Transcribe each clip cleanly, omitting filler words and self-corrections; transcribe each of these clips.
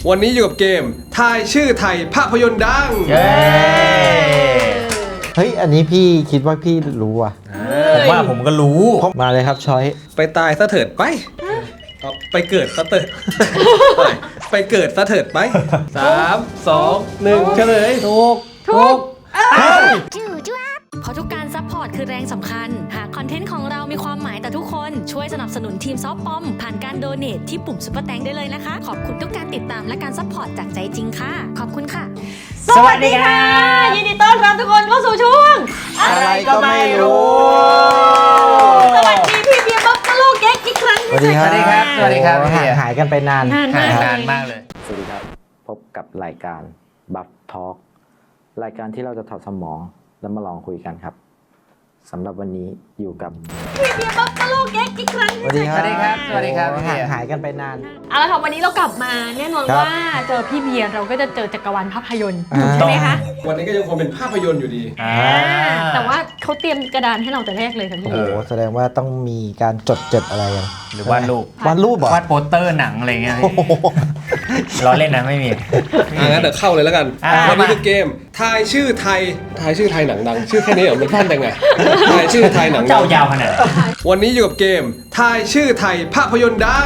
วันนี้อยู่กับเกมทายชื่อไทยภาพยนตร์ดังเฮ้ยอันนี้พี่คิดว่าพี่รู้อ่ะผมว่าผมก็รู้มาเลยครับช้อยไปตายซะเถิดไปไปเกิดซะเถิดไปเกิดซะเถิดไป3 2 1เฉลยถูกเพราะทุกการซัพพอร์ตคือแรงสำคัญหากคอนเทนต์ของเรามีความหมายต่อทุกคนช่วยสนับสนุนทีมซอฟต์ปอมผ่านการโดเนทที่ปุ่มซุปเปอร์แตงได้เลยนะคะขอบคุณทุกการติดตามและการซัพพอร์ตจากใจจริงค่ะขอบคุณค่ะสวัสดีค่ะยินดีต้อนรับทุกคนเข้าสู่ช่วงอะไรก็ไม่รู้สวัสดีพี่เบียร์บ๊อบตะลูกเก๊กอีกครั้งสวัสดีครับสวัสดีครับห่างหายกันไปนานนานมากเลยสวัสดีครับพบกับรายการบัฟทอล์กรายการที่เราจะถอดสมองแล้วมาลองคุยกันครับสำหรับวันนี้อยู่กับพี่เบียร์บ๊อบตะลูกเก๊กอีกครั้งสวัสดีครับห่างหายกันไปนานเอาละค่ะวันนี้เรากลับมาแน่นอนว่าเจอพี่เบียร์เราก็จะเจอจักรวาลภาพยนตร์ใช่ไหมคะวันนี้ก็ยังคงเป็นภาพยนตร์อยู่ดีแต่ว่าเขาเตรียมกระดานให้เราแต่แรกเลยค่ะพี่แสดงว่าต้องมีการจดอะไรกันหรือวาดรูปวาดโปสเตอร์หนังอะไรเงี้ยล้อเล่นนะไม่มีงั้นเดี๋ยวเข้าเลยแล้วกันวันนี้คือเกมทายชื่อไทยหนังดังชื่อแค่นี้เหรอมันสั้นจังไงทายชื่อไทยหนังดังยาวขนาดวันนี้อยู่กับเกมทายชื่อไทยภาพยนตร์ดัง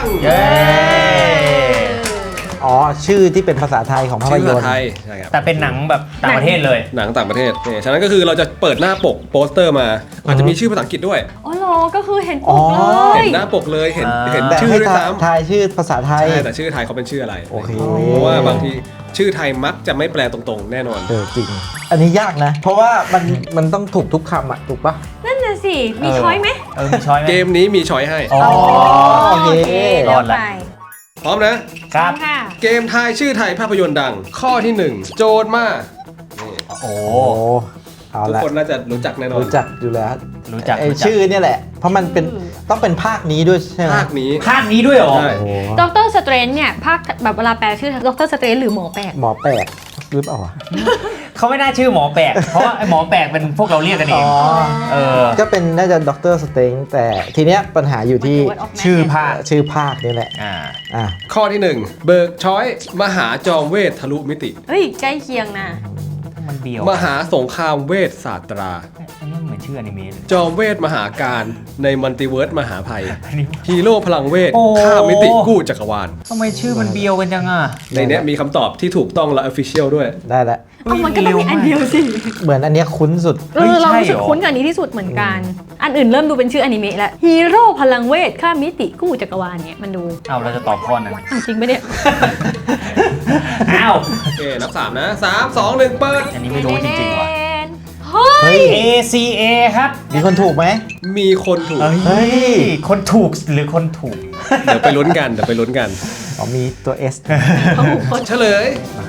อ๋อชื่อที่เป็นภาษาไทยของภาพยนตร์ไทยใช่ครับแต่เป็นหนังแบบต่างประเทศเลยหนังต่างประเทศเนี่ยฉะนั้นก็คือเราจะเปิดหน้าปกโปสเตอร์มาอาจจะมีชื่อภาษาอังกฤษด้วยอ๋อเหรอก็คือเห็นปกเลยเห็นหน้าปกเลยเห็นชื่อด้วยซ้ำทายชื่อภาษาไทยใช่แต่ชื่อไทยเขาเป็นชื่ออะไรโอเคเพราะว่าบางทีชื่อไทยมักจะไม่แปลตรงๆแน่นอนจริงอันนี้ยากนะเพราะว่ามันต้องถูกทุกคำอ่ะถูกปะนั่นน่ะสิมีช้อยไหมมีช้อยไหมเกมนี้มีช้อยให้โอเครอดแล้วพร้อมนะครับเกมทายชื่อไทยภาพยนตร์ดังข้อที่1โจทย์มาโอ้ทุกคนน่าจะรู้จักแน่นอนรู้จักอยู่แล้วรู้จักชื่อเนี่ยแหละเพราะมันเป็นต้องเป็นภาคนี้ด้วยใช่ไหมภาคนี้ด้วยเหรอด็อกเตอร์สเตรนจ์เนี่ยภาคแบบเวลาแปลชื่อด็อกเตอร์สเตรนจ์หรือหมอแปลกหรือเปล่าเขาไม่น่าชื่อหมอแปลกเพราะไอ้หมอแปลกเป็นพวกเราเรียกกันเองก็เป็นน่าจะด็อกเตอร์สเตรนจ์แต่ทีเนี้ยปัญหาอยู่ที่ชื่อภาคนี่แหละข้อที่1เบิกช้อยมหาจอมเวททะลุมิติเฮ้ยใกล้เคียงนะมันเดียวมหาสงครามเวทศาสตราอันนี้เหมือนชื่ออนิเมะจอมเวทมหาการในมัลติเวิร์สมหาภัยฮีโร่พลังเวทข้ามมิติกู้จักรวาลทำไมชื่อมันเบียวกันจังอ่ะในนี้มีคำตอบที่ถูกต้องและ official ด้วยได้แล้วมันก็ต้องมีอันเดียวสิเหมือนอันนี้คุ้นสุดเรารู้สึกคุ้นกับอันนี้ที่สุดเหมือนกันอันอื่นเริ่มดูเป็นชื่ออนิเมะแล้วฮีโร่พลังเวทข้ามมิติกู้จักรวาลเนี่ยมันดูเราจะตอบข้อนั้นจริงปะเนี่ยโอเคนับ3นะ3 2 1เปิดอันนี้ไม่รู้จริงๆว่ะเฮ้ย ACA ครับมีคนถูกไหมมีคนถูกเฮ้ยคนถูกหรือคนถูกเดี๋ยวไปลุ้นกันมีตัว S เฉลย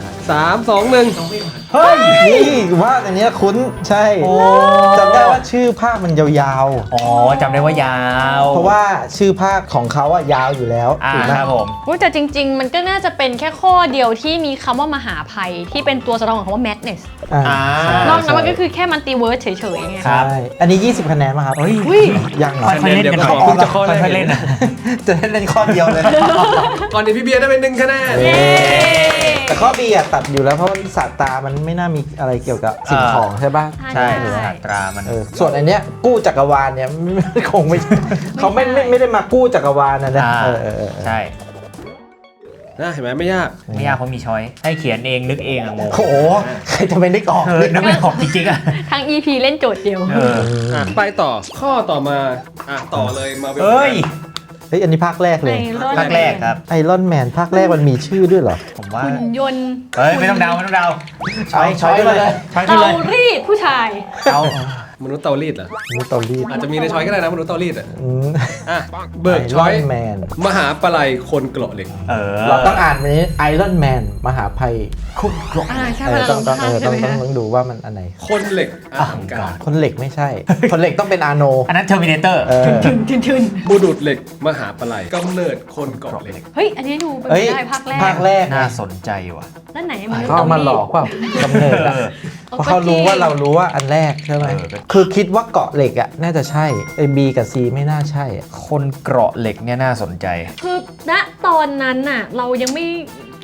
3 2 1 เฮ้ยนี่ว่าอันนี้คุ้นใช่จำได้ว่าชื่อภาคมันยาวๆจำได้ว่ายาวเพราะว่าชื่อภาคของเขาอะยาวอยู่แล้วถูกไหมครับผมแต่จริงๆมันก็น่าจะเป็นแค่ข้อเดียวที่มีคำว่ามหาภัยที่เป็นตัวสะท้อนของคำว่า madness นอกนั้นมันก็คือแค่มัลติเวิร์สเฉยๆไงครับอันนี้20คะแนนป่ะครับยังเหรอค่อยเล่นกันเพิ่งจะข้อแรกเล่นนะจะเล่นข้อเดียวเลยก่อนนี้พี่เบียร์ได้เป็น1คะแนนแต่ข้อ B อะตัดอยู่แล้วเพราะมันศาสตรามันไม่น่ามีอะไรเกี่ยวกับสิ่งของใช่ป่ะใช่ศาสตรามันส่วนอันเนี้ยกู้จักรวาลเนี่ยคงไม่เขาไม่ได้มากู้จักรวาลนะใช่เห็นไหมไม่ยากเพราะมีช้อยให้เขียนเองนึกเองโอ้โหใครจะไปนึกออกนึกไม่ออกจริงๆทั้ง EP เล่นโจทย์เดียวไปต่อข้อต่อมาต่อเลยมาเป็นอันนี้ภาคแรกเลยภาคแรกครับไอรอนแมนภาคแรกมันมีชื่อด้วยเหรอผมว่าหุ่นยนต์ไม่ต้องเดาช้อยเลยเตารีดผู้ชายมนุษย์เตารีดเหรอมนุษย์เตารีดอาจจะมีในช้อยก็ได้นะมนุษย์เตารีดเบิกช้อยมหาปลัยคนเกราะเหล็กเราต้องอ่านนี้ไอรอนแมนมหาภัยคนเกราะต้องดูว่ามันอันไหนคนเหล็กคนเหล็กไม่ใช่คนเหล็กต้องเป็นอาโนอันนั้นเทอร์มินาเตอร์ทึนบุรุษเหล็กมหาปลัยกำเนิดคนเกราะเหล็กเฮ้ยอันนี้ดูเป็นได้ภาคแรกน่าสนใจว่ะนั่นไหนเขามาหลอกว่ากำเนิดเพราะเขารู้ว่าเรารู้ว่าอันแรกใช่ไหมคือคิดว่าเกาะเหล็กอ่ะน่าจะใช่ไอ้ B กับ C ไม่น่าใช่คนเกราะเหล็กเนี่ยน่าสนใจคือณตอนนั้นน่ะเรายังไม่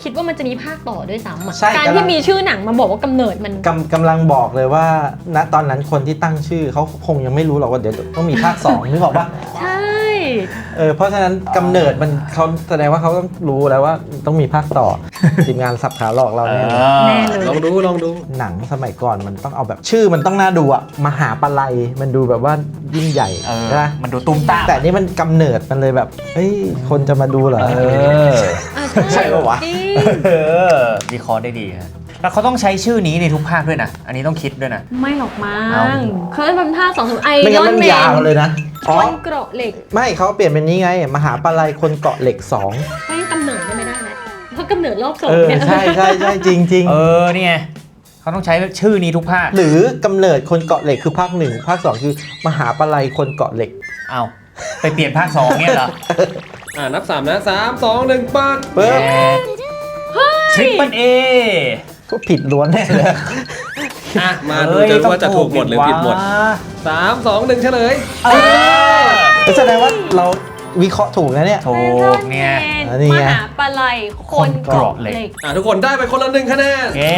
คิดว่ามันจะมีภาคต่อด้วยซ้ำอะใช่การกำลัที่งมีชื่อหนังมาบอกว่ากำเนิดมันกำลังบอกเลยว่าณตอนนั้นคนที่ตั้งชื่อเขาคงยังไม่รู้หรอกว่าเดี๋ยวต้องมีภาค 2นึกออกปะใช่เพราะฉะนั้นกำเนิดมันเขาแสดงว่าเขาต้องรู้แล้วว่าต้องมีภาคต่อ ทีมงานสับขาหลอกเราแน่เลยแน่เลยลองดูหนังสมัยก่อนมันต้องเอาแบบชื่อมันต้องน่าดูอะมหาปลัยมันดูแบบว่ายิ่งใหญ่นะมันดูตุ้มตามแต่นี่มันกำเนิดมันเลยแบบเฮ้ยคนจะมาดูเหรอ ใช่ปะวะจริงวิเคราะห์ได้ดีฮะแล้วเขาต้องใช้ชื่อนี้ในทุกภาคด้วยนะ อันนี้ต้องคิดด้วยนะไม่หรอกมั้เอางเคยเป็นภาค2ไอไม่รงั้นอนมันแมยาวน เลยนะคอ๋อนเกราะเหล็กไม่เขาเปลี่ยนเป็นนี้ไง มหาปลัยคนเกาะเหล็ก 2 ไม่กำเนิดไม่ได้นะเพราะกำเนิดรอบสองเนี่ยใช่จริงเนี่ยเขาต้องใช้ชื่อนี้ทุกภาคหรือกำเนิดคนเกาะเหล็กคือภาค 1 ภาค 2 คือมหาปลัยคนเกาะเหล็กเอาไปเปลี่ยนภาค 2เนี่ยเหรอนับ 3 นะ 3 2 1ปัดเปิ๊บทริปเปิลเอก็ผิดล้วนแน่เลยมาดูกันว่าจะถูกหมดหรือผิดหมด 3 2 1เฉลยแสดงว่าเราวิเคราะห์ถูกนะเนี่ยถูกเนี่ยนี่มไงหาปลัยคนเกราะเหล็กทุกคนได้ไปคนละ1คะแนนเย้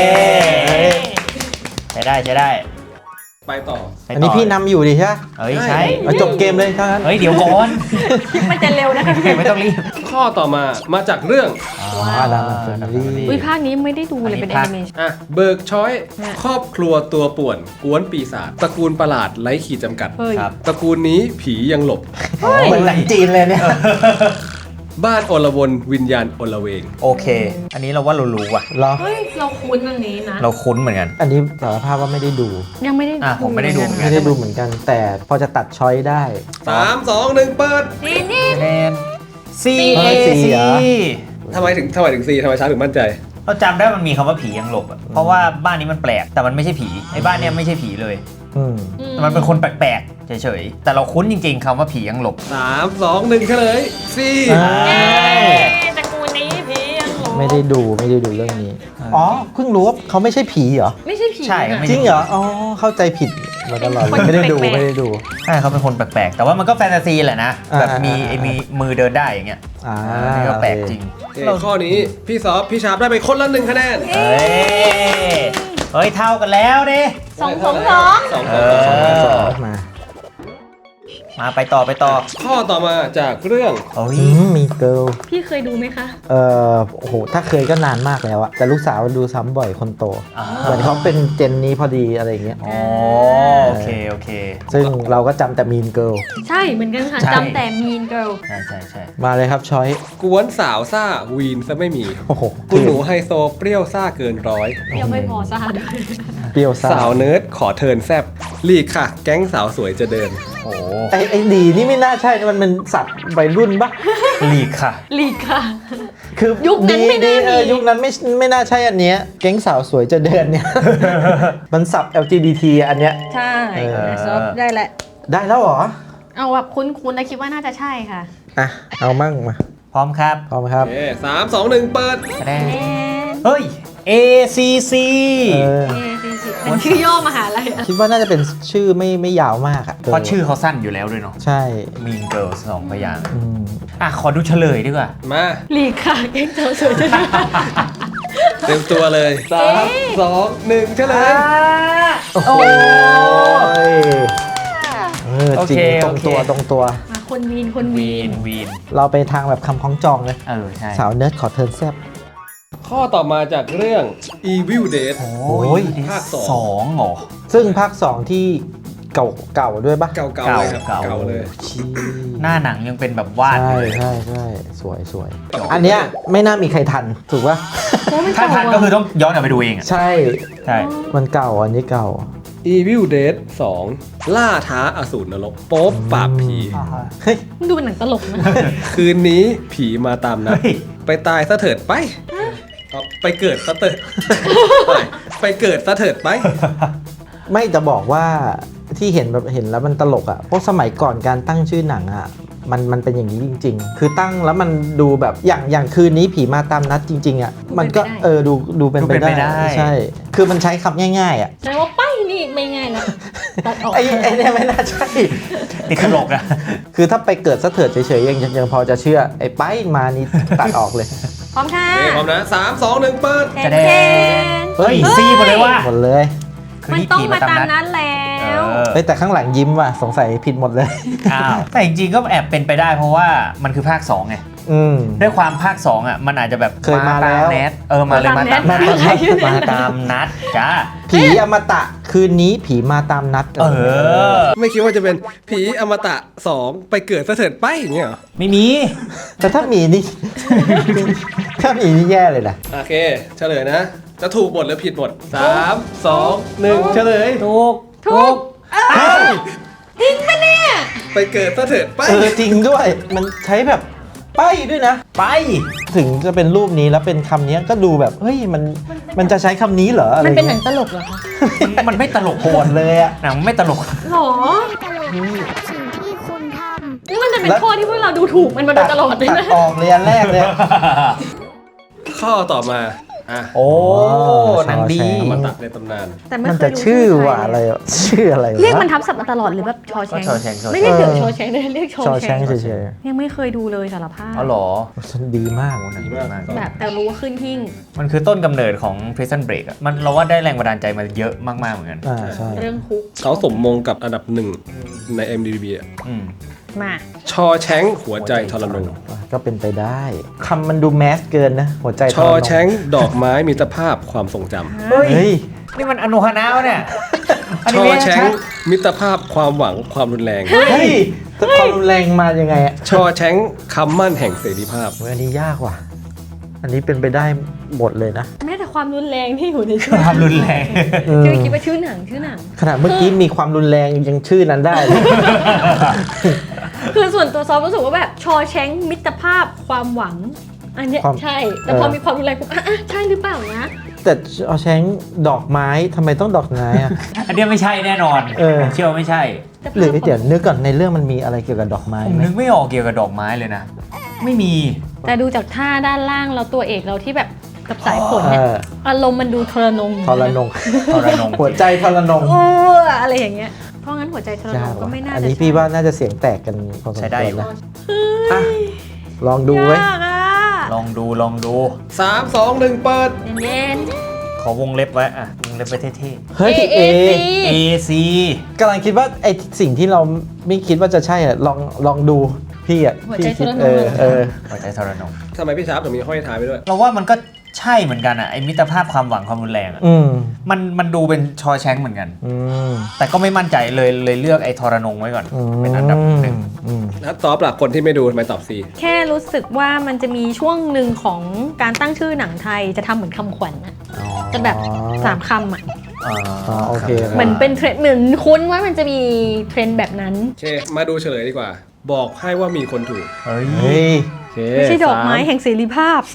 ใช้ได้ไปต่ออันนี้พี่นำอยู่ดิใช่ไหมเฮ้ยใช่มาจบเกมเลยเท่านั้นเฮ้ยเดี๋ยวก่อนมันจะเร็วนะคะพี่ไม่ต้องรีบข้อต่อมาจากเรื่องอาดามันเฟอร์รี่อุ้ยภาคนี้ไม่ได้ดูเลยเป็นแอนิเมชั่นเบิร์กช้อยเนี่ยครอบครัวตัวป่วนกวนปีศาจตระกูลประหลาดไร้ขีดจำกัดเฮ้ยครับตระกูลนี้ผียังหลบเหมือนหนังจีนเลยเนี่ยบ้านอลวนวิญญาณอลเวงโอเค อันนี้เราว่าเรารู้ว่ะเหรอเฮ้ยเราคุ้นอันนี้นะเราคุ้นเหมือนกันอันนี้สารภาพว่าไม่ได้ดูยังไม่ได้ผมไม่ได้ดูเหมือนกัไม่ได้ดูเหมือนกัน แต่พอจะตัดช้อยได้ 3 2 1เปิดนี่คะแนน C เฮ้ย A C C เหรอทำไมถึงC ทำไมช้าถึงมั่นใจเราจำได้มันมีคำว่าผียังหลบอะเพราะว่าบ้านนี้มันแปลกแต่มันไม่ใช่ผีไอ้บ้านเนี้ยไม่ใช่ผีเลยอืมแต่มันเป็นคนแปลกๆเฉยๆแต่เราคุ้นจริงๆคำว่าผียังหลบ 3 2 1เฉลย C ตระกูลนี้ผียังหลงไม่ได้ดูเรื่องนี้ อ๋อ เพิ่งรู้ว่าเขาไม่ใช่ผีเหรอไม่ใช่ผีใช่อะไม่จริงเหรอ อ๋อ เข้าใจผิดมาตลอดเลยไม่ได้ดูใช่เขาเป็นคนแปลกๆ แต่ว่ามันก็แฟนตาซีแหละนะ แบบมีอ่าไอ้มีมือเดินได้อย่างเงี้ยอ่าอันนี้ก็แปลกจริงข้อนี้พี่ซอฟพี่ชาร์ปได้ไปคนละ1คะแนนเฮ้ยเท่ากันแล้วดิ 2 2 2 สองสองมามาไปต่อข้อต่อมาจากเรื่องโอ้ยมีเกิลพี่เคยดูไหมคะโอ้โห ถ้าเคยก็นานมากแล้วอะแต่ลูกสาวดูซ้ำบ่อยคนโตอ่าเหมือนเขาเป็นเจนนี้พอดีอะไรอย่างเงี้ยอ๋อโอเคซึ่งเราก็จำแต่มีนเกิลใช่เหมือนกันค่ะใช่จำแต่ Mean Girl ใช่มาเลยครับช้อยกวนสาวซ่าวีนซะไม่มีโอ้โหคุณหนูไฮโซเปรี้ยวซ่าเกินร้อยเดี๋ยวไม่พอซ่าด้วยเปรี้ยวซ่าสาวเนิร์ดขอเทิร์นแซบลีกค่ะ แก๊งสาวสวยจะเดินโอ้ไอ้ดีนี่ไม่น่าใช่นะมันเป็นสัตว์วัยรุ่นปะลีกค่ะลีกค่ะคือยุคนั้นไม่น่ามียุคนั้นไม่น่าใช่อันเนี้ยแก๊งสาวสวยจะเดินเนี่ย มันสับ LGBT อันเนี้ยใช่ซอฟได้แหละได้แล้วเหรอเอาแบบคุ้นๆนะคิดว่าน่าจะใช่ค่ะอ่ะ เอามั่งมาพร้อมครับพร้อมครับสามสองหนึ่งเปิดคะแนนเฮ้ย A C C เออเป็นชื่อย่อมหาลัยอะคิดว่าน่าจะเป็นชื่อไม่ยาวมากอะเพราะชื่อเขาสั้นอยู่แล้วด้วยเนาะใช่ Mean Girls 2 พยางค์อืมขอดูเฉลยดีกว่ามาลีกค่ะแก๊งสาวสวยจะเดินเต็มตัวเลยสามสองหนึ่งเฉลยโอ้โหจริงตรงตัวมาคนวีนวีนเราไปทางแบบคำคล้องจองเลยใช่สาวเนิร์ดขอเทิร์นแซบข้อต่อมาจากเรื่อง Evil Dead โอ้ยภาคสองสองเหรอซึ่งภาค 2 ที่เก่าด้วยปะเก่าๆเลยครับเก่าเก่าเลยชี้หน้าหนังยังเป็นแบบวาดอยู่เลยใช่สวย อันเนี้ยไม่น่ามีใครทัน ถูกปะถ้าทันก็คือต้องย้อนกลับไปดูเองอ่ะใช่ใช่มันเก่าอันนี้เก่า Evil Dead 2 ล่าท้าอสูรนรกโป๊บปราบผีเฮ้ยมันดูเป็นหนังตลกนะคืนนี้ผีมาตามนัดเฮ้ยไปตายซะเถิดไปไปเกิดซะเถิด ไปเกิดซะเถิดไปไม่จะบอกว่าที่เห็นแล้วมันตลกอ่ะเพราะสมัยก่อนการตั้งชื่อหนังอ่ะมันเป็นอย่างนี้จริง ๆ คือตั้งแล้วมันดูแบบอย่างคืนนี้ผีมาตามนัดจริง ๆอ่ะมันก็ดูเป็นไปได้ใช่ คือมันใช้คำง่ายๆอ่ะแสดงว่าไปนี่ไม่ง่ายแล้วตัดออกไอ้เนี่ยไม่น่าใช่ติดตลกอ่ะคือถ้าไปเกิดซะเถิดเฉยๆยังพอจะเชื่อไอ้ไปมานี่ตัดออกเลยพร้อมค่ะโอเคพร้อมนะ3 2 1เปิดจะได้ เฮ้ยซีหมดเลยว่ะหมดเลยคือมันนี่ต้องผีมาตามนันั้ดนแล้วเฮ้ยแต่ข้างหลังยิ้มว่ะสงสัยผิดหมดเลยอ้าวแต่จริงๆก็แอบเป็นไปได้เพราะว่ามันคือภาค2ไงอืมด้วยความภาค2อ่ะมันอาจจะแบบเคยมาแล้วตแนทมาเลยมาตามมานัดตามนัดมาตามนัดจ้าผีอมตะคืนนี้ผีมาตามนัดไม่คิดว่าจะเป็นผีอมตะ 2 ไปเกิดซะเถิดไปอย่างเงี้ยเหรอไม่มีแต่ถ้ามีนี่ ถ้ามีนี่แย่เลยนะโอเคเฉลยนะ จะถูกหมดหรือผิดหมด3 2 1เฉลยถูกจริงปะเนี่ยไปเกิดซะเถิดไปจริงด้วย มันใช้แบบไปด้วยนะไปถึงจะเป็นรูปนี้แล้วเป็นคำนี้ก็ดูแบบเฮ้ยมันจะใช้คำนี้เหรออะไรมันเป็นหนัเงี้งยตลกเหรอคะมันไม่ตลกโหดเลยอ่ะหนังไม่ตลกหรอตลกสิ่งที่คุณทำนี่มันจะเป็นข้อที่พวกเราดูถูกมันมาโดยตลอดเลยตัดนะออกเลยอันแรกเลยข้อต่อมาอ่ะโอ้หนังดีอมตะในตำนานแต่ไม่มันเคยจะดูชื่อว่าอะไรอะชื่ออะไรวะเรียกมันทับศัพท์มาตลอดหรือแบบชอแชงก็ชอแชงไม่ได้เรียกชอแชงเลยเรียกชอชอแชแชงงเฉยยังไม่เคยดูเลยสารภาพอ๋อเหรอๆฉันดีมากหนังดีดีมากมากแบบแต่รู้ว่าขึ้นหิ้งมันคือต้นกำเนิดของ Prison Break อะมันเราว่าได้แรงบันดาลใจมาเยอะมากๆเหมือนกันใช่เรื่องคุกเขาสมมงกับอันดับ 1 ใน MDB อ่ะอืมมาชอแชงหัวใจทรนงก็เป็นไปได้คำมันดูแมสเกินนะ หัวใจชอแชงดอกไม้มิตรภาพความทรงจำเฮ้ยเฮ้ยนี่มันอนุฮานาวะเนี่ยชอแชงมิตรภาพความหวังความรุนแรงเฮ้ยแต่ความรุนแรงมายังไงอ่ะชอแชงคำมั่นแห่งเสรีภาพเฮ้ยอันนี้ยากว่ะ อันนี้เป็นไปได้หมดเลยนะแม้แต่ความรุนแรงที่อยู่ในชื่อความรุนแรงคือคิดว่าชื่อหนังขนาดเมื่อกี้มีความรุนแรงยังชื่อนั้นได้เลยคือส่วนตัวซอฟรู้สึกว่าแบบชอแชงมิตรภาพความหวัง อันเนี้ยใช่ แต่พอมีความรุนแรงปุ๊บใช่หรือเปล่านะแต่เอาแชงดอกไม้ทำไมต้องดอกไม้อ่ะอันเนี้ยไม่ใช่แน่นอน ผมเชื่อว่าไม่ใช่หรือเดี๋ยวนึกก่อนในเรื่องมันมีอะไรเกี่ยวกับดอกไม้ผมไหมนึกไม่ออกเกี่ยวกับดอกไม้เลยนะ ไม่มีแต่ดูจากท่าด้านล่างแล้วตัวเอกเราที่แบบกับสายฝนเอเนี่ยออารมณ์มันดูทรนงทรนงทรนงหัวใจทรนงโอ้อะไรอย่างเงี้ย เพราะงั้นหัวใจทรนยาง กก็ว่ะไม่น่าอันจะนี้พี่ว่าน่าจะเสียงแตกกันพอสมใช้คได้วอรยู่นะอ่ะลองดูไว้ยากอ่ะลองดู 3 2 1 เปิดเย็นขอวงเล็บไว้อะวงเล็บไว้เท่ๆเฮ้ยเอๆ AC กำลังคิดว่าไอสิ่งที่เราไม่คิดว่าจะใช่อ่ะลองดูพี่อ่ะหัวพี่ใจทคิดรนเอง อหัวใจทรนงทำไมพี่ชาร์ปถึงมีห้อยท้ายไปด้วยเราว่ามันก็ใช่เหมือนกันอะไอมิตรภาพความหวังความรุนแรงอะอืมมันดูเป็นชอแชงเหมือนกันอืมแต่ก็ไม่มั่นใจเลยเลือกไอ้ทรนงไว้ก่อน เป็นอันดับหนึ่งอืมแล้วตอบหลักคนที่ไม่ดูทำไมตอบ C แค่รู้สึกว่ามันจะมีช่วงหนึ่งของการตั้งชื่อหนังไทยจะทำเหมือนคำขวัญอะจะแบบ3 คำอะอ๋อโอเคเหมือนเป็นเทรนด์เหมือนคุ้นว่ามันจะมีเทรนด์แบบนั้นโอเค มาดูเฉลยดีกว่า บอกให้ว่ามีคนถูกเฮ้ยเฮ้ยโอเคไม่ใช่ดอกไม้แห่งเสรีภาพ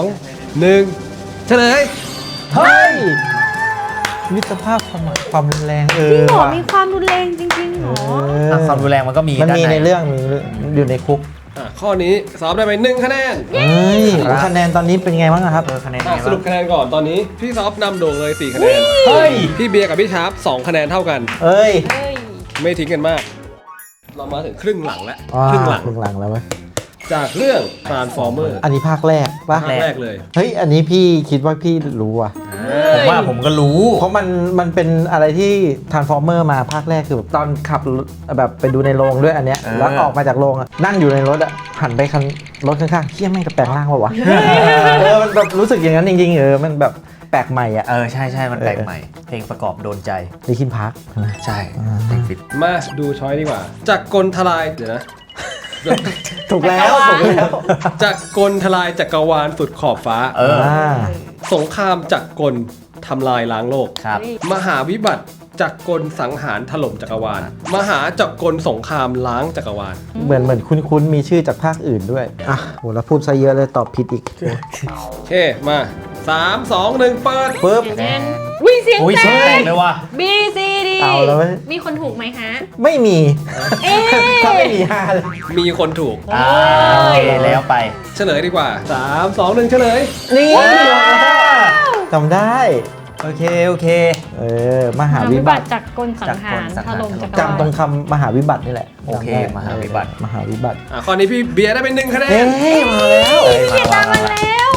2 1 เฉลยเฮ้ยมิตรภาพความรุนแรงจริงเหรอว่ะมีความรุนแรงจริงๆเหรอความรุนแรงมันก็มีมันมีด้าในเรื่องมีอยู่ในคุกข้อนี้สอบได้ไป1 คะแนนเฮ้ยคะแนนตอนนี้เป็นไงบ้างอะครับคะแนนสรุปคะแนนก่อนตอนนี้ พี่ซอฟนำโด่งเลย 4 คะแนนเฮ้ยพี่เบียร์กับพี่ชาร์ป2 คะแนนเท่ากันเอ้ยเฮ้ยไม่ทิ้งกันมาก เรามาถึงครึ่งหลังแล้วอ่าครึ่งหลังครึ่งหลังแล้วเว้ยจากเรื่อง Transformer อันนี้ภาคแรกปะภาคแรกเลยเฮ้ยอันนี้พี่คิดว่าพี่รู้อ่ะผมว่าผมก็รู้เพราะมันเป็นอะไรที่ Transformer มาภาคแรกคือแบบตอนขับรถแบบไปดูในโรงด้วยอันเนี้ยแล้วออกมาจากโรงอ่ะนั่งอยู่ในรถอ่ะหันไปคันรถข้างๆเฮี้ยแม่งจะแปลงร่างวะมันแบบรู้สึกอย่างนั้นจริงๆมันแบบแปลกใหม่อ่ะใช่มันแปลกใหม่ เพลงประกอบโดนใจลิคินพาร์คใช่เพลงฟิตมาดูช้อยดีกว่า จากกลทลายเดี๋ยวนะถูกแล้วถูกแล้วจากกลทลายจักรวาลสุดขอบฟ้า สงครามจักรกลทำลายล้างโลกครับมหาวิบัติจักรกลสังหารถล่มจักรวาล มหาจักรกลสงครามล้างจักรวาลเหมือนคุ้นๆมีชื่อจากภาคอื่นด้วยอ่ะโหแล้วพูดซะเยอะเลยตอบผิดอีกโอเค มา 3 2 1 เปิดปึ๊บเย็นวิเสียงอุ้ยแตเสียงแตกกเลยว่ะ B C D เอาแล้วเว้ยมีคนถูกไหมฮะไม่มีเอ๊ะถ้าไม่มีห้าเลยมีคนถูกโอเคแล้วไปเฉลยดีกว่า 3 2 1 เฉลยนี่จำได้โอเคมหามหาวิวิบับัติติจากกลสังหารถล่มจักรวาลจำตรงคำมหาวิบัตินี่แหละโอเคจำได้มหาวิบัติมหาวิบัติข้อนี้พี่เบียร์ได้เป็น1 คะแนนเฮ้ยมาแล้วเฮ้ยเขียนตามมาแล้ว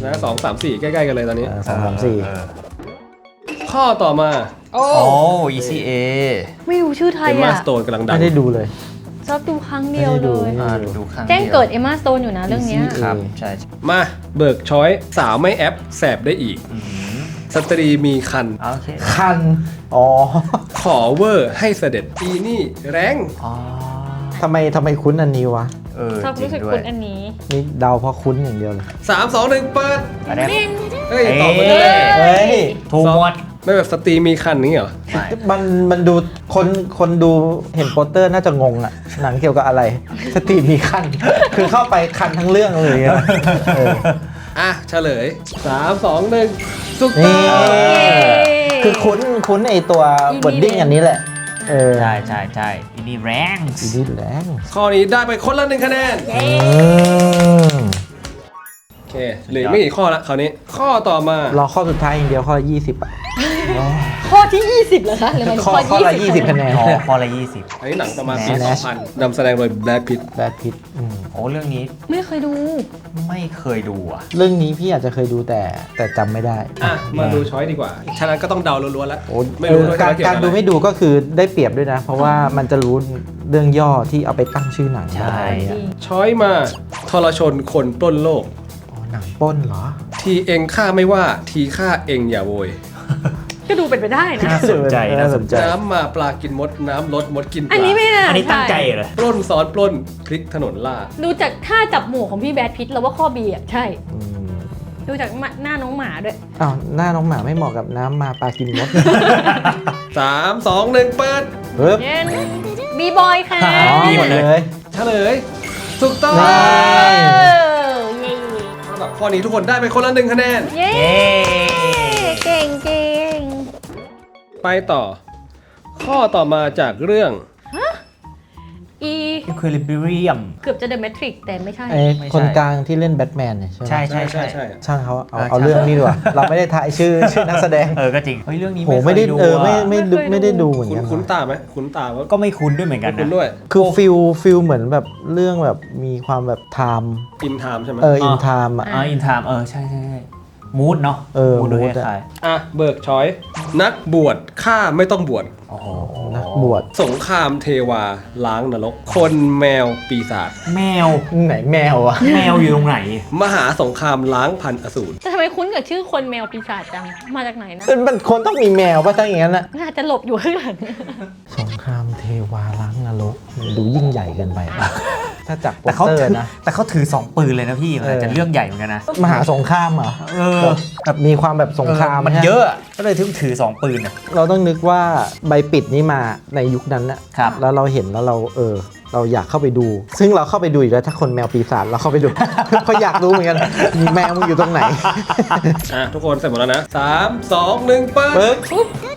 นะ2 3 4 ใกล้ๆกันเลยตอนนี้ 2 3 4 ข้อต่อมาโอ้โอ้ ECA ไม่รู้ชื่อไทยเอ็มมาอ่ะสโตนกำลังดังไม่ได้ดูเลยชอบดูครั้งเดียวเลยดูข้างแจ้งเกิดเอมมาสโตนอยู่นะเรื่องเนี้ย ECA ครับใช่มาเบิกช้อยสาวไม่แอปแสบได้อีก สตรีมีคันโอเคคัน อ๋อขอเวอร์ให้เสด็จอีนี่แรงอ๋อทำไมคุ้นอันนี้วะชอบรู้สึกจงด้วคุยณอันนี้นี่เดาเพราะคุ้นอย่างเดียวเลย 3 2 1 เปิดอันนี้เฮ้ยตอบมาเลยเฮ้ยถูกหมดไม่แบบสตรีมีคันนี้เหรอมันดูคนดูเห็นโปสเตอร์น่าจะงงอะหนังเกี่ยวกับอะไร สตรีมมีคัน คือเข้าไปคันทั้งเรื่องเลยอะเอออ่ะเฉลย 3 2 1ถูกต้นี่องคือคุ้นไอตัวบดดิ้งอันนี้แหละ เออใช่อินนี่แรงอีดีแรงข้อนี้ได้ไปคนละ1 คะแนนอืมโอเคเหลือไม่กี่ข้อละคราวนี้ ข้อต่อมารอข้อสุดท้ายอย่างเดียวข้อ20อ่ะข้อที่ 20เหรอคะหรือมันข้อข้อละ 20 20คะแนนอ๋อข้อละ20 อันนี้หนังประมาณปี Nash 2000นำแสดงโดยแบล็คพิตแบดพิทโอ้เรื่องนี้ไม่เคยดูไม่เคยดูอ่ะเรื่องนี้พี่อาจจะเคยดูแต่จำไม่ได้อ่ะมาดูช้อยดีกว่าฉะนั้นก็ต้องเดาล้วนๆแล้วโอ้ไม่รู้ด้วยการว่าเกี่ยวการกับดูอะไรไม่ดูก็คือได้เปรียบด้วยนะ เพราะว่ามันจะรู้เรื่องย่อที่เอาไปตั้งชื่อหนังใช่ได้เนี่ยช้อยมาทรชนคนปล้นโลกอ๋อหนังปล้นเหรอทีเองฆ่าไม่ว่าทีฆ่าเองอย่าโวยก็ดูเป็นไปได้นะน่าสนใจน่าสนใจน้ำมาปลากินมดน้ำลดมดกินปลาอันนี้ไม่น่าอันนี้ตั้งใจเหรอปล้นซ้อนปล้นพลิกถนนล่าดูจากท่าจับหมูของพี่แบดพิทแล้วว่าข้อ B อ่ะใช่อืมดูจากหน้าน้องหมาด้วยอ้าวหน้าน้องหมาไม่เหมาะกับน้ำมาปลากินมด 3 2 1 เปิดเฮ้ยเย็นบีบอยค่ะอ๋อมีหมดเลยเฉลยถูกต้องนี่สำหรับข้อนี้ทุกคนได้ไปคนละ1 คะแนนเย้เย้เก่งเก่งไปต่อ ข้อต่อมาจากเรื่องอีอิควิลิเบียมเกือบจะ The Matrix แต่ไม่ใช่ไอ้ไม่ใช่คนกลางที่เล่นแบทแมนเนี่ยใช่ไหมใช่ใช่ใช่ใช่ช่างเขาเอาเออเอาช่างเรื่องนี้ดีกว่า เราไม่ได้ทายชื่อนักแสดงก็จริงเฮ้ยเรื่องนี้โหไม่ได้เคยเออไม่อะไม่ได้ดูเหมือนคุ้กัน นคุ้นตาไหมคุ้นตาว่าก็ไม่คุ้นด้วยเหมือนกันคุ้นนะด้วยคือฟิลเหมือนแบบเรื่องแบบมีความแบบไทม์อินไทม์ใช่ไหมอินไทม์อ่ะอ๋ออินไทม์ใช่มูดเนาะมูดูดคอะล้ายอ่ะเบิกช้อย นักบวชฆ่าไม่ต้องบวชๆโอ้โหนักบวชสงครามเทวาล้างนรก คนแมวปีศาจแมวไหนแมวอ่ะแมวอยู่ตรงไหนมหาสงครามล้างพันอสูรแต่ทำไมคุ้นกับชื่อคนแมวปีศาจจัง มาจากไหนนะมันคนต้องมีแมวป่ะถ้าอย่างนั้นอ่ะน่าจะหลบอยู่ข้างหลังสงครามเทวาล้างนรกดูยิ่งใหญ่เกินไปอะถ้าจากโปแต่สเขาเตอร์ถือนะแต่เขาถือ 2 ปืนเลยนะพี่ มันอาจจะเรื่องใหญ่เหมือนกันนะมหาสงครามเหรอ แบบมีความแบบสงครามมันฮเยอะก็เลยถือ 2 ปืนอ่ะเราต้องนึกว่าใบปิดนี้มาในยุคนั้นน่ะครับแล้วเราเห็นแล้วเราอยากเข้าไปดู ซึ่งเราเข้าไปดูอีกแล้วถ้าคนแมวปีศาจเราเข้าไปดู เพราะอยากรู้เหมือนกันมีแมวมึงอยู่ตรงไหนอ่ะทุกคนเสร็จหมดแล้วนะ 3 2 1 เปิดปึ๊บ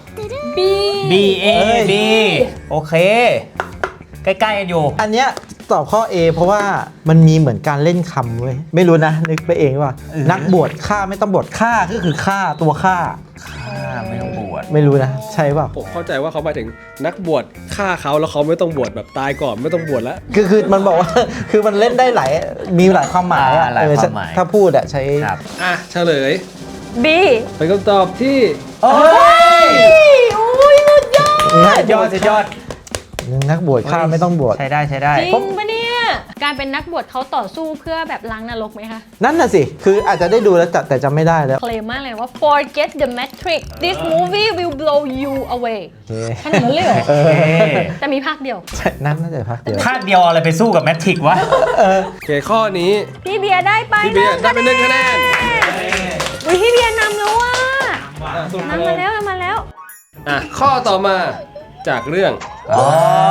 B B A B โอเค ใกล้ๆกันอยู่อันเนี้ยตอบข้อ A เพราะว่ามันมีเหมือนการเล่นคำเว้ยไม่รู้นะนึกไปเองว่า นักบวชฆ่าไม่ต้องบวชฆ่าก็คือฆ่าตัวฆ่าไม่ต้องบวชไม่รู้นะ ใช่เปล่าผมเข้าใจว่าเขาหมายถึงนักบวชฆ่าเขาแล้วเขาไม่ต้องบวชแบบตายก่อนไม่ต้องบวชแล้วคือมันบอกว่า คือมันเล่นได้มีหลายความหมายอะหลายความหมายถ้าพูดอะใช้ครับอ่ะเฉลย B เป็นคำตอบที่โอ้ยโอ้ยสุดยอดสุดยอดนักบวชฆ่าไม่ต้องบวชใช้ได้จริงปะเนี่ย การเป็นนักบวชเขาต่อสู้เพื่อแบบล้างนรกไหมคะนั่นน่ะสิ คืออาจจะได้ดูแล้วแต่จำไม่ได้แล้วเคลมมากเลยว่า forget the matrix this movie will blow you away โอเคขนาดนั้นเลยเหรอโอเคแต่มีภาคเดียวใช่นั่นน่าจะพักเดียวภาคเดียวอะไรไปสู้กับแมทริกวะโอเคข้อนี้พี่เบียร์ได้ไปพี่เบียร์ได้เป็น1 คะแนนอุ้ยพี่เบียร์นำแล้วว่ะอ่ะสุดนำมาแล้วนำมาแล้วอ่ะข้อต่อมาจากเรื่องอ๋อ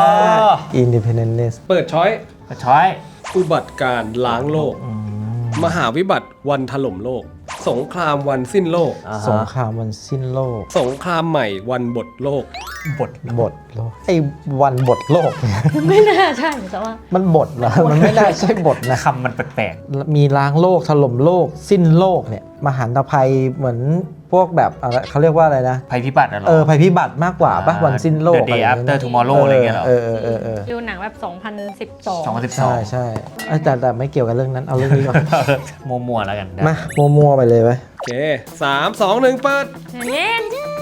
Independence เปิดช้อยช้อยอุบัติการณ์ล้างโลก มหาวิบัติวันถล่มโลก สงครามวันสิ้นโลกสงครามวันสิ้นโลกสงครามใหม่วันบทโลกบทบทโลก ไอ้วันบทโลกเนี่ยไม่น่าใช่แต่ว่ามันบทเหรอ มันไม่ได้ใช่บทนะคำมันแปลกมีล้างโลกถล่มโลก สิ้นโลกเนี่ยมหันตภัยเหมือนพวกแบบอะไรเขาเรียกว่าอะไรนะภัยพิบัติอะเหรอภัยพิบัติมากกว่าปะวันสิ้นโลก The Day อะไรอย่างเงี้ย After Tomorrow อะไรเงี้ยเหรอดูหนังแบบ 2012 ใช่ 2012 ใช่แต่ไม่เกี่ยวกับเรื่องนั้นเอาเรื่องนี้ก่อนมัวๆแล้วกันมามัวๆไปเลยไปโอเค3 2 1เปิดเย้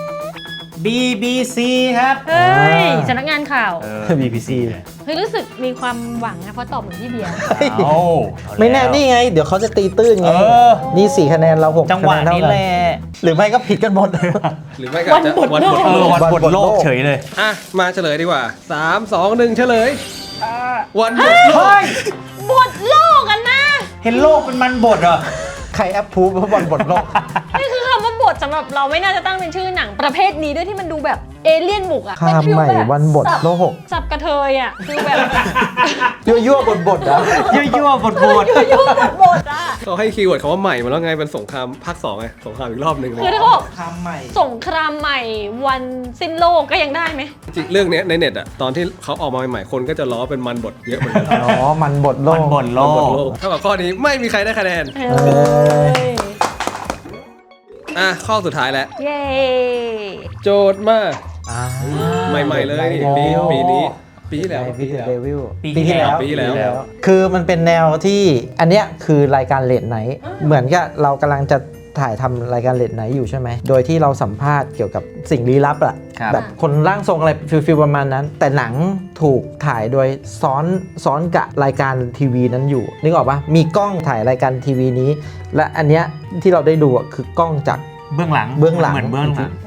BBC ครับเฮ้ยสำนักงานข่าว BBC เฮ้ยรู้สึกมีความหวังนะเพราะตอบเหมือนพี่เบียร์เอาไม่แน่นี่ไง เดี๋ยวเขาจะตีตื้นไง นี่ 4 คะแนนเรา6 จังหวะนี้แหละหรือไม่ก็ผิดกันหมดหรือไม่ก็อาจจะวันบดวันบทโลกเฉยเลยอ่ะมาเฉลยดีกว่า3 2 1เฉลยวันบดโลกเฮ้ยบทโลกกันนะเห็นโลกเป็นมันบทเหรอใครแอปพูฟว่าบอลบทโลกนี่คือคำว่าบทสำหรับเราไม่น่าจะตั้งเป็นชื่อหนังประเภทนี้ด้วยที่มันดูแบบเอเลี่ยนบุกอะข้ามใหม่วันบทโลกสับกระเทยอะคือแบบยั่วบทอ่ะยั่วๆบทยุ่งบทอะเขาให้คีย์เวิร์ดคำว่าใหม่มาแล้วไงเป็นสงครามภาค2ไงสงครามอีกรอบหนึ่งเลยคือถ้าเขาบอกข้ามใหม่สงครามใหม่วันสิ้นโลกก็ยังได้ไหมจริงเรื่องเนี้ยในเน็ตอะตอนที่เขาออกมาใหม่ๆคนก็จะล้อเป็นมันบดเยอะเหมือนกันอ๋อ มันบทโลมันกบทโลมันบดกโลกเท่ากับข้อนี้ไม่มีใครได้คะแนนเฮ้ยอ่ะข้อสุดท้ายแล้วเย้โจทย์มาใหม่ๆเลยนี่ปีนี้ปีที่แล้ววิดเดวิลปีที่แล้วปีที่แล้วคือมันเป็นแนวที่อันเนี้ยคือรายการเลดไนท์เหมือนกับเรากำลังจะถ่ายทำรายการเลดไนท์อยู่ใช่ไหม โดยที่เราสัมภาษณ์เกี่ยวกับสิ่งลี้ลับอะครับแบบคนร่างทรงอะไรฟิลประมาณนั้น แต่หนังถูกถ่ายโดยซ้อนกับรายการทีวีนั้นอยู่นึกออกปะมีกล้องถ่ายรายการทีวีนี้ และอันเนี้ยที่เราได้ดูอะคือกล้องจากเบื้องหลังเบื้องหลังเหมือนเบื้องหลัง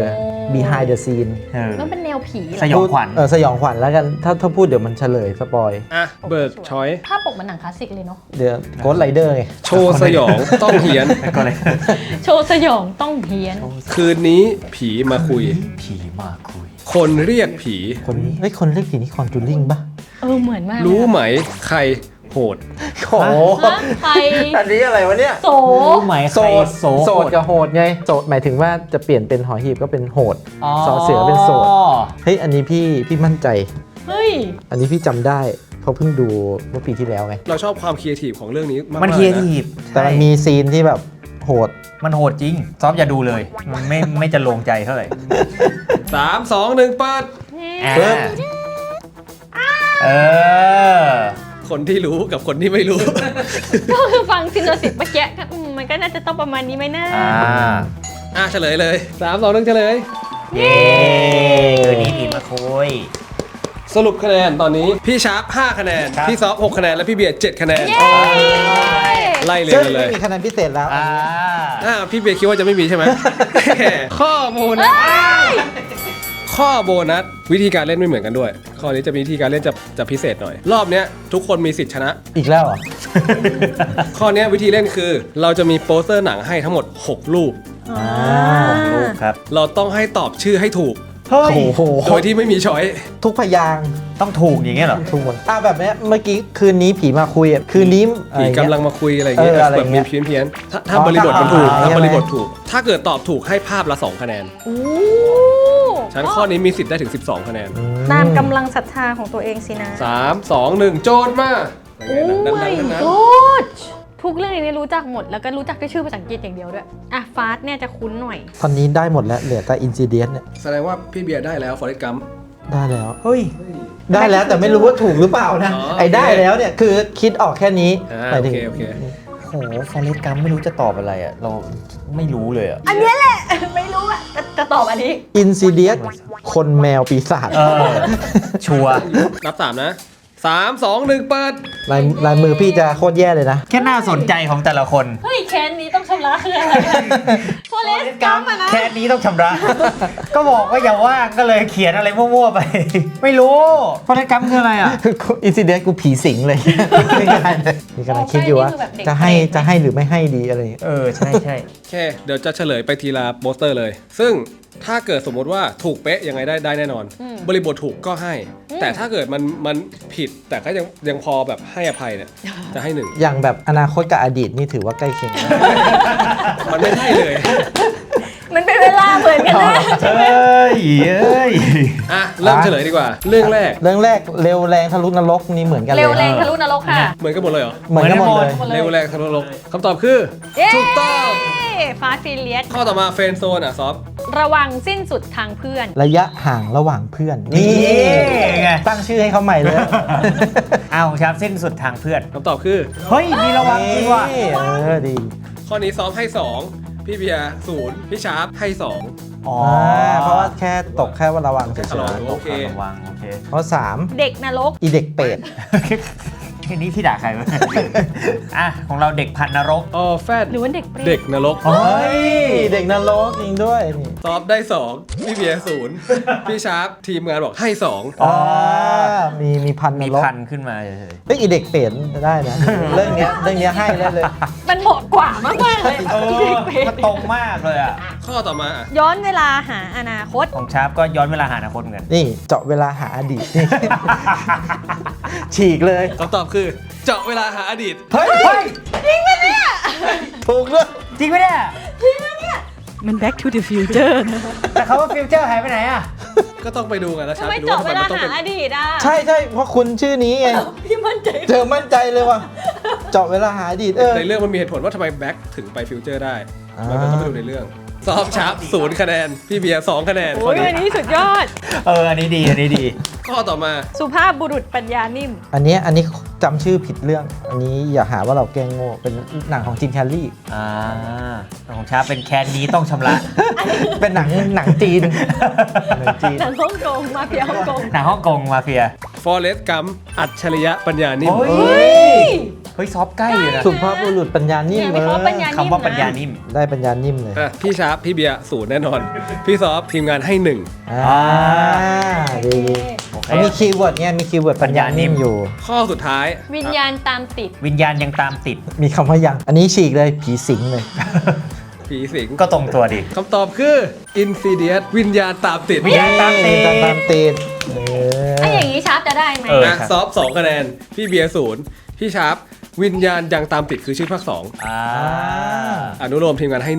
behind the scene มันเป็นแนวผีเหรสอยองขวัญสยองขวัญแล้วกันถ้าพูดเดี๋ยวมันเฉลยสปอยอ่ะเบิร์กชอยภาพปกมันหนังคลาสสิกเลยเนาะเดี๋ยวโกดไรเดอร์ไงโชว์สยองต้องเหียนก็เลยโชว์สยองต้องเพี้ยนคืนนี้ผีมาคุยผีมาคุยคนเรียกผีคนเรียกผีนี่คอนจูริงปะเหมือนมากเลยรู้ไหมใครโหดโอ้โหฮะใครอันนี้อะไรวะเนี่ยโสรู้ไหมโสใครดโสกับโหดไงโสดหมายถึงว่าจะเปลี่ยนเป็นหอหีบก็เป็นโหดสอเสือเป็นโสดเฮ้ยอันนี้พี่มั่นใจเฮ้ยอันนี้พี่จำได้เพราะเพิ่งดูเมื่อปีที่แล้วไงเราชอบความครีเอทีฟของเรื่องนี้มากๆมันเคียร์นะทีฟแต่มันมีซีนที่แบบโหดมันโหดจริง ซอฟอย่าดูเลย มันไม่จะลงใจเท่าไหร่ 3 2 1เปิดปึ๊บเออคนที่รู้กับคนที่ไม่รู้ก็คือฟังซินโนสิตเมื่อกี้ก็มันก็น่าจะต้องประมาณนี้ไหมนะเฉลยเลย 3 2 1เฉลยเย้คืนนี้ผีมาคุยสรุปคะแนนตอนนี้พี่ชาร์ป5คะแนนครับพี่ซอฟ6คะแนน และพี่เบียร์7คะแนนเย้ไล่เรียซึ่งงกันเลไม่ยมีคะแนนพิเศษแล้วพี่เบียร์คิดว่าจะไม่มีใช่ไหม ข้อโบนัสข้อโบนัสวิธีการเล่นไม่เหมือนกันด้วย ข้อนี้จะมีวิธีการเล่นจะพิเศษหน่อย รอบเนี้ยทุกคนมีสิทธิ์ชนะอีกแล้วเหรอข้อเนี้ยวิธีเล่นคือ เราจะมีโปสเตอร์หนังให้ทั้งหมด 6 รูปลูกครับเราต้องให้ตอบชื่อให้ถูกเฮ้ยโอ้โหโดยที่ไม่มีช้อยทุกพยางค์ต้องถูกอย่างเงี้ยเหรอทุกคนแบบเนี้ยเมื่อกี้คืนนี้ผีมาคุยอ่ะคืนนี้อะไรผีเงี้ยกำลังมาคุยอะไรอย่างเงี้ยอะไรแบบเงี้มียเพี้ยนถ้าบริบทมันถูกใช่ไหมถ้าบริบทถูก ถ้าเกิดตอบถูกให้ภาพละ 2 คะแนนโอ้ฉะนั้นข้อนี้มีสิทธิ์ได้ถึง 12 คะแนนตามกำลังศรัทธาของตัวเองสินะ 3 2 1 โจทย์มาดังๆทั้งนั้นทุกเรื่องนี้รู้จักหมดแล้วก็รู้จักด้วยชื่อภาษาอังกฤษอย่างเดียวด้วยอ่ะฟาสเนี่ยจะคุ้นหน่อยตอนนี้ได้หมดแล้วเหลือแต่อินซิเดียนเนี่ยแสดงว่าพี่เบียร์ได้แล้ว Forrest Gump ได้แล้วเฮ้ยได้แล้วแต่ไม่รู้ว่าถูกหรือเปล่านะอ๋อไอ้ได้แล้วเนี่ยคือคิดออกแค่นี้หมายโอถึงเคโอเคโหฟอเรสต์กัมไม่รู้จะตอบอะไรอ่ะ เราไม่รู้เลยอ่ะอันเนี้ยแหละ ไม่รู้อ่ะจะตอบอันนี้อินซิเดียสคนแมวปีศาจชัวร์นับ 3 นะ 3 2 1 เปิดลายมือพี่จะโคตรแย่เลยนะแค่น่าสนใจของแต่ละคนเฮ้ยแคนนี้ต้องชำระคืออะไรโฟเลสกัมอะนะแค่นี้ต้องชำระ ก็บอกว่าอย่าว่างก็เลยเขียนอะไรมั่วๆไป ไม่รู้ฟอเรสต์กัมคืออะไรอ่ะอินซิเดียสกูผีสิงเลยไม่ได้เลยนี่กำลังคิดอยู่ว่าจะให้หรือไม่ให้ดีอะไรอย่างเงี้ยใช่ใช่โอเค เดี๋ยวจะเฉลยไปทีละโปสเตอร์เลย ซึ่งถ้าเกิดสมมติว่าถูกเป๊ะยังไงได้แน่นอน บริบทถูกก็ให้ แต่ถ้าเกิดมันผิดแต่ก็ยังพอแบบให้อภัยเนี่ย จะให้ 1 อย่างแบบอนาคตกับอดีตนี่ถือว่าใกล้เคียงนะมันไม่ให้เลยมันเป็นเวลาเหมือนกันนะเอ้ยอ่ะ เริ่มเฉลยดีกว่า เรื่องแรกเรื่องแรกเร็วแรงทะลุนรกนี่เหมือนกันเลยเร็วแรงทะลุนรกค่ะเหมือนกันหมดเลยเหรอเหมือนกันหมดเลยเร็วแรงทะลุโลกคำตอบคือเย้ถูกต้องฟาสฟิเลียสข้อต่อมาเฟรนด์โซนอ่ะซอฟระวังสิ้นสุดทางเพื่อนระยะห่างระหว่างเพื่อนนี่ไงตั้งชื่อให้เขาใหม่เลยเอาครับสิ้นสุดทางเพื่อนคำตอบคือเฮ้ยมีระวังจริงว่ะดีข้อนี้ซอฟให้ 2 พี่เบียร์0พี่ชาร์ปให้ 2 อ๋อเพราะว่าแค่ตกแค่ว่าระวังเฉแค่ระวังยโอเคระวังโอเคๆข้อ3 เด็กนรกอีเด็กเป็ดทีนี้พี่ด่าใครวะ อ่ะของเราเด็กพันนรกอ๋อแฟดหรือว่าเด็กเปรตเด็กนรกเฮ้ย เด็กนรกจริงด้วยนี่ซอฟได้ 2 พี่เบียร์0พี่ชาร์ปทีมงานบอกให้ 2 อ๋อมีพันนมีรกพันขึ้นมาเฉยเฮ้ยอีเด็กเป็ดได้นะ เรื่องเนี้ยให้ได้เลยมันเหมาะกว่ามากๆเลยๆเออเด็กเปรตมันตรงมากเลยอ่ะข้อต่อมาอ่ะย้อนเวลาหาอนาคตของชาร์ปก็ย้อนเวลาหาอนาคตเหมือนกันนี่เจาะเวลาหาอดีตนี่ ฉีกเลยคำตอบคือเจาะเวลาหาอดีตเฮ้ยถูกด้วยจริงไหมเนี่ยมัน back to the future นะแต่เขาว่าฟิวเจอร์หายไปไหนอ่ะก็ต้องไปดูกันแล้วชาทำร์ปไมไปดูเจาะว่าทำเวไมลามันต้องหาเป็นอดีตอ่ะใช่เพราะคุณชื่อนี้ไงพี่มั่นใจเจอมั่นใจเลยว่ะเจาะเวลาหาอดีตในเรื่องมันมีเหตุผลว่าทำไมแบ็คถึงไปฟิวเจอร์ได้มันก็ต้องไปดูในเรื่องซอฟชาร์ป0 คะแนน พี่เบียร์2 คะแนนข้โอ้อย นี้อันนี้สุดยอดอันนี้ดี อันนี้ดีข้อต่อมาสุภาพบุรุษปัญญานิ่มอันนี้จำชื่อผิดเรื่อง อันนี้อย่าหาว่าเราแกล้งโง่เป็นหนังของจิมแคร์รี่ของชาร์ปเป็นแคนนี้ต้องชำระเป็นหนังจีนหนังจีนหนังฮ่องกงมาเฟียฮ่องกงหนังฮ่องกงมาเฟียฟอเรสต์กัมอัจฉริยะปัญญานิ่มโอ้ย เฮ้ยซอฟใกล้อยู่นะสุภาพบุรุษปัญญานิ่มเนี่ยไม่เขาปัญญานิ่มคำว่าปัญญานิ่มได้ปัญญานิ่มเลยอ่ะพี่ชาร์ปพี่เบียร์0 แน่นอน พี่ซอฟทีมงานให้ดีแล้วมีคีย์เวิร์ดไงมีคีย์เวิร์ดปัญญานิ่มอยู่ 1 ข้อสุดท้ายวิญญาณตามติดวิญญาณยังตามติดมีคำว่ายัง อันนี้ฉีกเลยผีสิงเลยผีสิงก็ตรงตัวดิคำตอบคือ Insidious วิญญาณตามติดวิญญาณตามติดตามติดไอ้อย่างนี้ชาร์ปจะได้ไหมนะซอฟ2 คะแนน พี่เบียร์0 พี่ชาร์ปวิญญาณยังตามติดคือชื่อภาค 2 อนุโลมทีมงานให้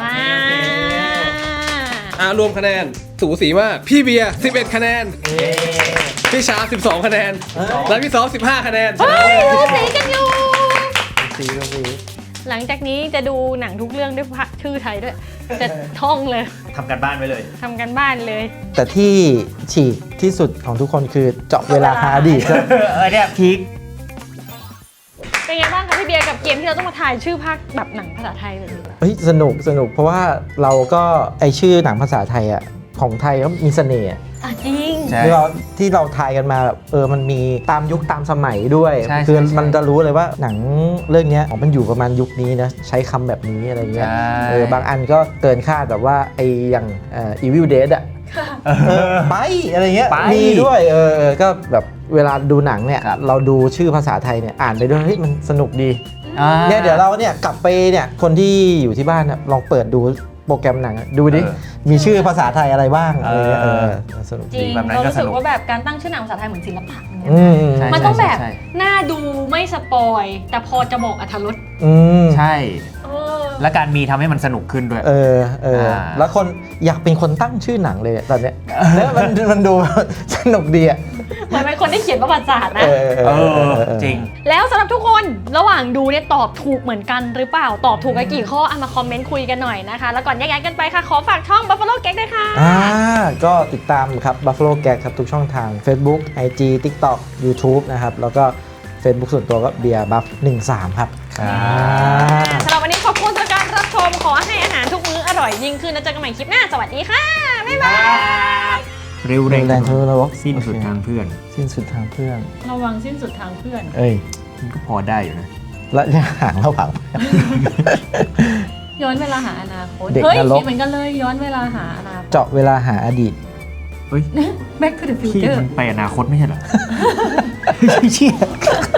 1 รวมคะแนนสูสีมาก พี่เบียร์11 คะแนน พี่ชาร์ป12 คะแนน และพี่ซอฟ15 คะแนนเฮ้ยดูสีกันอยู่สีก็สีหลังจากนี้จะดูหนังทุกเรื่องด้วยชื่อไทยด้วย จะท่องเลยทำกันบ้านไว้เลยทำกันบ้านเลยแต่ที่ฉีกที่สุดของทุกคนคือเจาะเวลาหาอดีตเนี่ยพีคเป็นไงบ้างคะพี่เบียร์กับเกมที่เราต้องมาทายชื่อภาคแบบหนังภาษาไทยแบบนี้เฮ้ยสนุกเพราะว่าเราก็ไอชื่อหนังภาษาไทยอ่ะของไทยก็มีเสน่ห์อะอ่ะจริงใช่ที่เราทายกันมาแบบมันมีตามยุคตามสมัยด้วยใช่คือใช่มันจะรู้เลยว่าหนังเรื่องเนี้ยมันอยู่ประมาณยุคนี้นะใช้คำแบบนี้อะไรเงี้ยใช่บางอันก็เกินคาดแบบว่าไออย่างEvil Dead อ่ะไปอะไรเงี้ยไปมีด้วยก็แบบเวลาดูหนังเนี่ยครับเราดูชื่อภาษาไทยเนี่ยอ่านไปด้วยเฮ้ยมันสนุกดีเนี่ยเดี๋ยวเราเนี่ยกลับไปเนี่ยคนที่อยู่ที่บ้านเนี่ยลองเปิดดูโปรแกรมหนังอะดูดิมีชื่อภาษาไทยอะไรบ้างอะไรเงี้ยสนุกจริดีงแบบนั้นเราก็รู้สึสกนุกว่าแบบการตั้งชื่อหนังภาษาไทยเหมือนศิลปะอย่างเงี้ยใช่มันต้องแบบใช่น่าดูไม่สปอยแต่พอจะบอกอรรถรสใช่เออและการมีทำให้มันสนุกขึ้นด้วยแล้วคนอยากเป็นคนตั้งชื่อหนังเลยตอนเนี้ยแล้วมันดู สนุกดีอ่ะเหมือนเป็นคนที่เขียนประวัติศาสตร์นะจริงแล้วสำหรับทุกคนระหว่างดูเนี่ยตอบถูกเหมือนกันหรือเปล่า ตอบถูกกันกี่ข้อเอามาคอมเมนต์คุยกันหน่อยนะคะ แล้วก่อนแยกย้ายกันไปค่ะ ขอฝากช่อง Buffalo Gag ด้วยค่ะก็ติดตามครับ Buffalo Gag ครับทุกช่องทาง Facebook IG TikTok YouTube นะครับ แล้วก็ Facebook ส่วนตัวก็เบียร์บัฟ13 ครับสำหรับวันนี้ขอบคุณสำหรับการรับชม ขอให้อาหารทุกมื้ออร่อยยิ่งขึ้นแล้วเจอกันใหม่คลิปหน้า สวัสดีค่ะ บ๊ายบายเร็วแรงแรงทะลุนรกสิ้นสุดทางเพื่อนสิ้นสุดทางเพื่อนระวังสิ้นสุดทางเพื่อนเอ้ยมันก็พอได้อยู่นะและห่างระหว่างย้อนเวลาหาอนาคตเด็กเฮ้ยนรกคิดเหมือนกันเลยย้อนเวลาหาอนาคตเจาะเวลาหาอดีตเฮ้ย Back to the พี่ future มันไปอนาคตไม่ใช่เหรอเชี่ย